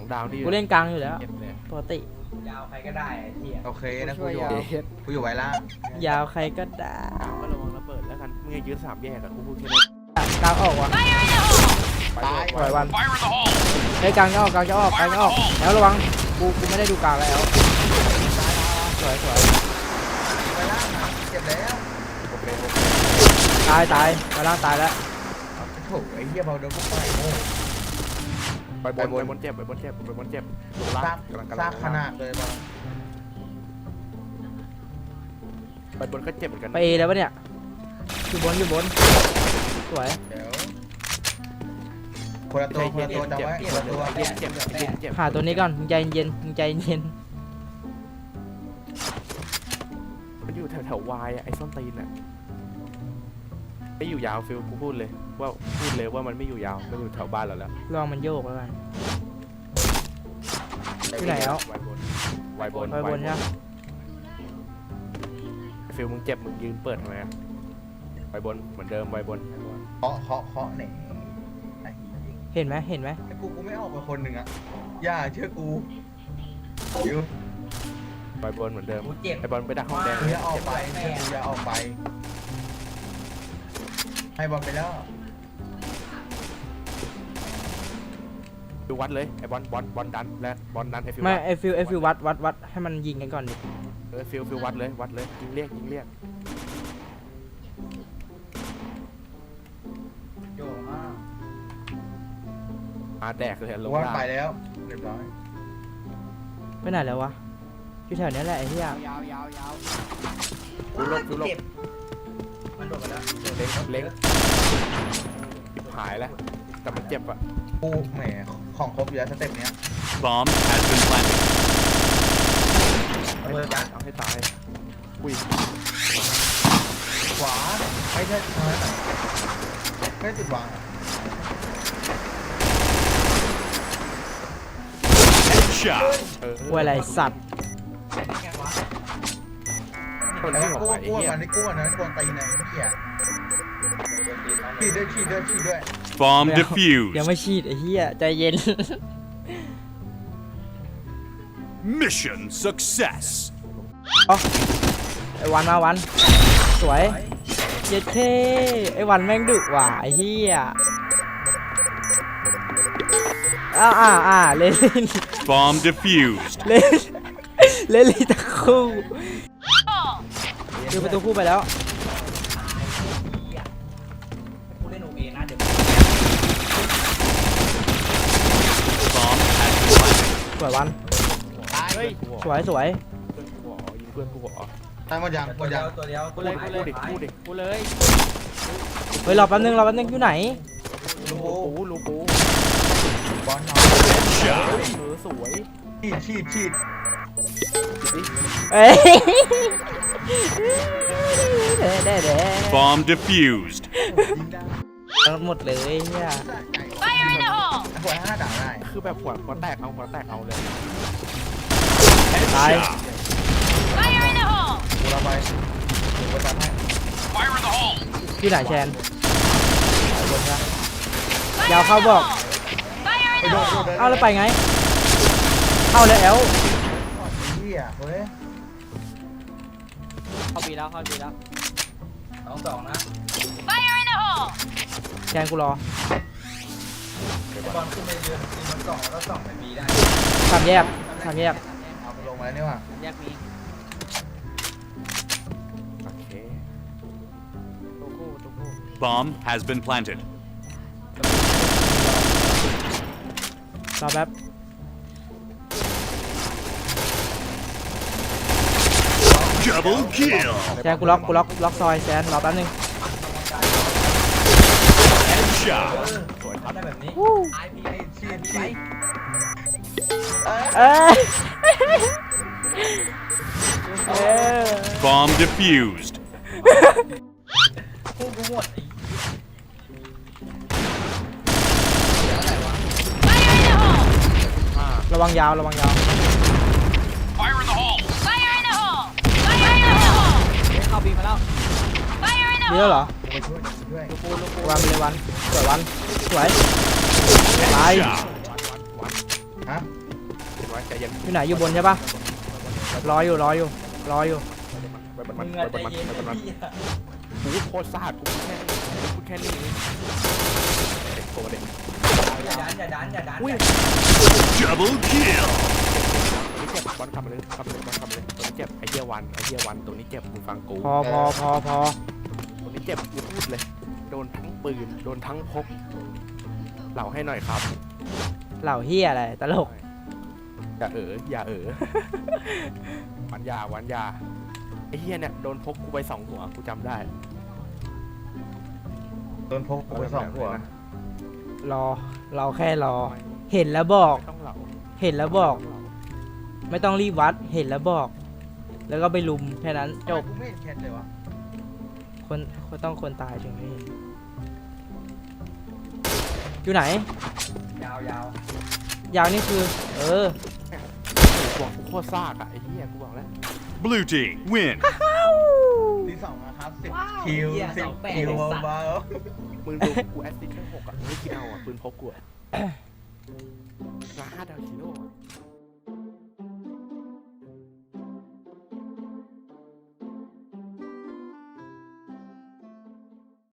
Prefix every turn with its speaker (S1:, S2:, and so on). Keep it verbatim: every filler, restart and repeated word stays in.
S1: ดาวที่
S2: กูเล่นกลางอยู่แล้วปกติ
S3: ยาวใครก็ได้ไอ้เหี้ย
S4: โอเคนะกูอยู่กูอยู่ไว้ล่าง
S2: ยาวใครก็ได้
S1: ก็ระวังระเบิดแล้วกันมึงอย่ายืดสามแยกอะกูพูดแค่นี้
S2: กลางออกว่ะ
S4: ตาย
S2: ปล่อยวันไอ้กลางจะออกกลางจะออกกลางจะออกแล้วระวังกูกูไม่ได้ดูกลางแล้วสวยสวย
S4: ไว้ล่างเจ็บแล้ว
S1: โอเคโอเค
S2: ตายตายมาล่างตายแล้ว
S4: โถ่ไอ้เหี้ยเบาเดินพวกไปโง่
S1: ไปบนไปบนเจ็บไปบนเจ็บไปบนเจ็บลงล่า
S4: ซาง ก
S1: กำลังกำ
S4: ซา
S1: ลั
S4: ก
S1: ง
S4: ขนาดเลยบอล
S1: ไปบนก็เจ็บเหมือนกัน
S2: ไปเอแล้วปะเนี่ยอยู่บนอยู่บนสวย
S4: เดี๋ยวคนละตัวคนละตัวจำไว้คนละตัว
S1: เจ็บเจ็บเจ็บเจ็บ
S2: หาตัวนี้ก่อนมึงใจเย็นมึงใจเย็น
S1: มันอยู่แถวแถววายอะไอ้ส้นตีนอะไม่อยู่ยาวฟิลกูพูดเลยว่าพูดเลยว่ามันไม่อยู่ยาวมันอยู่แถวบ้านเราแล้ว
S2: ลองมันโยกแล้วกัน ที่ไหนแล้ว
S1: วายบนวายบน
S2: ไปบนใช่ไหม
S1: ฟิลมึงเจ็บมึงยืนเปิดทำไมอะวายบนเหมือนเดิมวายบน
S4: เคาะเคาะเคาะไหน
S2: เห็นไหมเห็นไหม
S4: ไอ้กูกูไม่ออกไปคนหนึ่งอะอย่าเชื่อกูอยู่
S1: วายบนเหมือนเดิม
S3: กูเจ็บ
S1: ไอบอลไปดักห้องแดง
S4: กูอย่าออกไปเชื่อกูอย่าออกไปให้บอลไปแล้ว
S1: ดูวัดเลยไอบอลบอลบอลดันและบอลดันไอฟิล
S2: ไม่ไอฟิลไอฟิลวัดวัดวัดให้มันยิงกันก่อนดิ
S1: เออฟิลฟิลวัดเลยวัดเลยยิงเรียกยิงเรียก
S3: โยงมาก
S1: อาแดกเลยลง
S4: ว่า
S1: ล่าง
S4: ไปแล้วเรียบร้อย
S2: ไปไหนแล้ววะอยู่แถวนี้แหละไอ้เหี้ย
S3: ยาวยาวยาว
S1: ฟิลลบฟิลลบ
S3: เจ็บมันโดดไปแล้ว
S1: เล็งเล็งจิบหายแล้วแต่มันเจ็บอะ
S4: กูแหมของครบอยู่แล้วสเต็ปเนี้ย
S5: Bomb has been planted.
S1: เอาให้ตายเอาให้ตายอุ้ย
S4: ขวาไม่ใช่ทางนั้นอะไม่ติดวางอะ
S5: Headshot.
S1: เออ
S2: กลัวอะไรสัตว์
S1: คน
S4: แต่
S1: ที่
S4: ว่า
S1: หัว
S4: กู้
S1: ไปไอ้
S4: กู้
S1: เหี้ย
S4: มันได้กู้อันนั้นกวนตีนไหนเหี้ยขี้ด้วยขี้ด้วยขี้ด้วย
S5: Bomb
S2: ยัง
S5: defused.
S2: ไม่ฉีดไอ้เหี้ยใจเย็น
S5: Mission success.
S2: ไอ้วันมาวันสวยเย็ดเคไอ้วันแม่งดุว่ะไอ้เหี้ยอ่าอ่าอ่าเล่น
S5: Bomb defused.
S2: เล่นเล่นเลยตะคู่คือประตูคู่ไปแล้ว
S3: กูเล่นโอเอนะเดี๋ยว
S5: Bomb has been planted.
S2: สวยวัน
S4: ตาย
S1: เฮ้ย
S2: สวยสวย
S1: เพื่อนกูหัวยิงเพื่อนกูหัว
S4: ตายหมดยังหม
S3: ตัว
S4: ด
S3: เดี
S4: ยั
S3: ย
S4: ง
S3: วตัวเดียว
S1: กูเลยกูเลยกูดิกูเลย
S2: เฮ้ยรอแป๊บนึงรอแป๊บนึงอยู่ไหน
S4: ลู
S1: ลู
S4: ก
S1: กูลูกู
S4: บอลเอา
S5: Headshot.
S1: เออสวย
S4: ฉีดฉีดฉีด
S1: ดิ
S2: เอ้ยเด้เด้เด้
S5: Bomb defused.
S4: ยิงได้
S2: หมดเลยเนี่ย
S4: ไอ้หัวห้าด่าได้
S1: คือแบบหัวหัวแตกเอาหัวแตกเอาเลย
S5: Headshot.
S4: กูเราไปกูไปตามให้
S2: ที่ไหนแชนบนนะยาวเข้าบอก
S4: ไปโดดโดดดิน
S2: เอาแล้วไปไง เข้าแล้วแอล
S4: เหี้ยเฮ้ย
S2: เข้าปีแล้วเข้าปีแล้ว
S3: สองสองนะ
S2: แชนกูรอ
S3: บอลขึ้นไปยืนยืนบนกล่องแล้วก็ส่องไปบีได้
S2: สามแยกสามแยก
S4: เอาลงมาแล้วนี่ว่ะ
S2: แยกมี
S1: โอเค
S2: ตัวคู่ตัวคู่
S5: Bomb has been planted.
S2: รอแป๊บ
S5: Double kill.
S2: แชนกูล็อกกูล็อกล็อกซอยแชนรอแป๊บนึง
S5: Headshot.
S1: สวยครับ
S3: ได้แบบนี้ไอพีไอ
S4: ฉีด
S3: พี
S4: ฉีด
S2: เอ้ยเออ
S5: Bomb defused.
S3: คู่กูหมดไอ้
S2: ระวังยาวระวังยาว
S3: เข้าบีมาแล้ว
S2: เยอะเหรอ
S4: ไปช่วยช่วย
S2: กูลูกกูวางไปเลยวันสวยวันสวยตาย
S5: Headshot.
S1: วันวัน
S4: ฮะ
S1: เห็นไว้ใจเย็น
S2: อยู่ไหนอยู่บนใช่ปะรออยู่รออยู่รออยู่
S1: ไปบน
S3: มึ
S1: มัน
S3: ง
S1: ไป
S3: อะ
S1: บ
S3: ใจ
S1: นมัน
S3: เย็น
S1: ไปบน
S3: ไอ้
S1: มัน
S3: เหี้ย
S1: กูโคตรซ่ากูพูดแค่นี้พูดแค่นี้เองเด็กโตเด็ก
S3: อย่าดันอย่าดันอย่าดัน
S1: อุ้ย
S5: Double kill.
S1: ตัวนี้เจ็บบอลกลับมาเลยกลับมาเลยบอลกลับมาเลยตัวนี้เจ็บไอเหี้ยวันไอเหี้ยวันตัวนี้เจ็บมึงฟังกู
S2: พอพอพอพอ
S1: ตัวนี้เจ็บกูพูดเลยโดนทั้งปืนโดนทั้งพกเหล่าให้หน่อยครับ
S2: เหล่าเฮียอะไรตลก
S1: อย่าเอ๋ออย่าเอ๋อ วันยาวันยาไอเหี้ยเนี่ยโดนพกกูไปสองหัวกูจำได้
S4: โดนพกไปสองหัว
S1: นะ
S2: รอเราแค่รอ เห็นแล้วบอก
S1: ไม่ต้องเหล่า
S2: เห็นแล้วบอก ไม่ต้องรีบวัดเห็นแล้วบอก แล้วก็ไปลุมแค่นั้นจบ
S4: กูไม่เห็นแคทเลยวะ
S2: คนคนต้องคนตายถึงไม่เห็นอยู่ไหน
S3: ยาวยาวย
S2: าวนี่คือ เออ
S1: กูบอกกูโคตรซากอะไอ้เหี้ยกูบอกแล้ว
S5: Blue team win.
S4: ที่สองนะครับสิบคิวสิบคิวเบา
S1: มึงดูกูแอสซิสต์แค่หกอะไม่คิดเอาอะปืนพกกูอะ มาห้าดาวชิโร่อะ